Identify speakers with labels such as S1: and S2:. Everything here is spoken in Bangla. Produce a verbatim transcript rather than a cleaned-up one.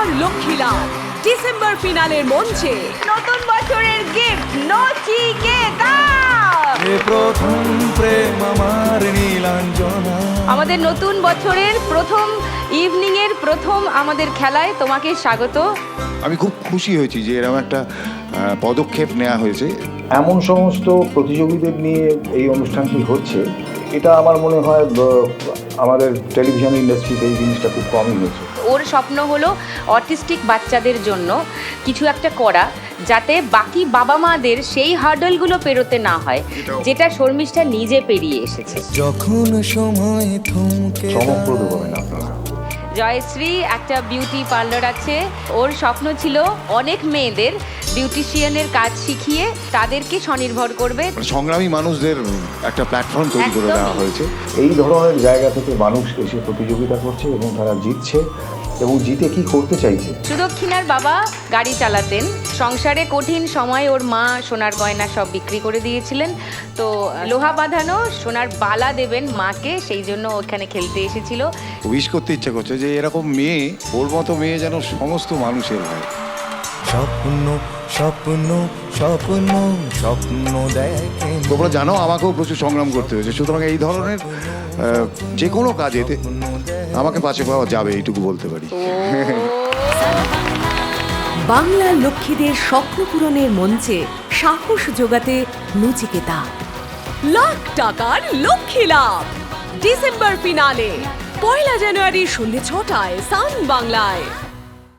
S1: বাংলার লক্ষ্মী লাভ ডিসেম্বর ফিনালের মঞ্চে নতুন বছরের গিফট নচিকেতা।
S2: প্রথম প্রেম আমার নীলাঞ্জনা।
S1: আমাদের নতুন বছরের প্রথম ইভিনিং এর প্রথম আমাদের খেলায় তোমাকে স্বাগত।
S3: আমি খুব খুশি হয়েছি যে এরকম একটা পদক্ষেপ নেওয়া হয়েছে।
S4: এমন সমস্ত প্রতিযোগীদের নিয়ে এই অনুষ্ঠানটি হচ্ছে, এটা আমার মনে হয় আমাদের টেলিভিশন ইন্ডাস্ট্রিতে এই জিনিসটা খুব কমই হয়েছে।
S1: ওর স্বপ্ন হলো অটিস্টিক বাচ্চাদের জন্য কিছু একটা করা, যাতে বাকি বাবা মাদের সেই হার্ডলগুলো পেরোতে না হয়, যেটা শর্মিষ্ঠা নিজে পেরিয়ে এসেছে।
S2: যখন সময় থমকে
S4: চমকপ্রদ হবেন আপনারা।
S1: জয়শ্রী একটা বিউটি পার্লার আছে, ওর স্বপ্ন ছিল অনেক মেয়েদের বিউটিশিয়ানের কাজ শিখিয়ে তাদেরকে স্বনির্ভর করবে।
S3: সংগ্রামী মানুষদের একটা প্ল্যাটফর্ম তৈরি করে দেওয়া হয়েছে।
S4: এই ধরনের জায়গা থেকে মানুষ এসে প্রতিযোগিতা করছে এবং তারা জিতছে এবং জিতে কি করতে চাইছে।
S1: সুদক্ষিণার বাবা গাড়ি চালাতেন, সংসারে কঠিন সময় ওর মা সোনার গয়না সব বিক্রি করে দিয়েছিলেন, তো লোহা বাঁধানো সোনার বালা দেবেন মাকে, সেই জন্য ওখানে খেলতে এসেছিল।
S3: উইশ করতে ইচ্ছা করছে যে এরকম মেয়ে, ওর মতো মেয়ে যেন সমস্ত মানুষের হয়।
S2: স্বপ্ন স্বপ্ন স্বপ্ন স্বপ্ন দেখে।
S3: তোমরা জানো আমাকেও প্রচুর সংগ্রাম করতে হয়েছে, সুতরাং এই ধরনের যে কোনো কাজেতে আমাকে পাশে পাওয়া যাবে, এইটুকু বলতে পারি।
S5: বাংলার লক্ষ্মীদের স্বপ্ন পূরণের মঞ্চে সাহস যোগাতে নচিকেতা।
S1: লাখ টাকার লক্ষ্মী লাভ ডিসেম্বর ফিনালে পয়লা জানুয়ারি সন্ধ্যে ছটায় সান বাংলায়।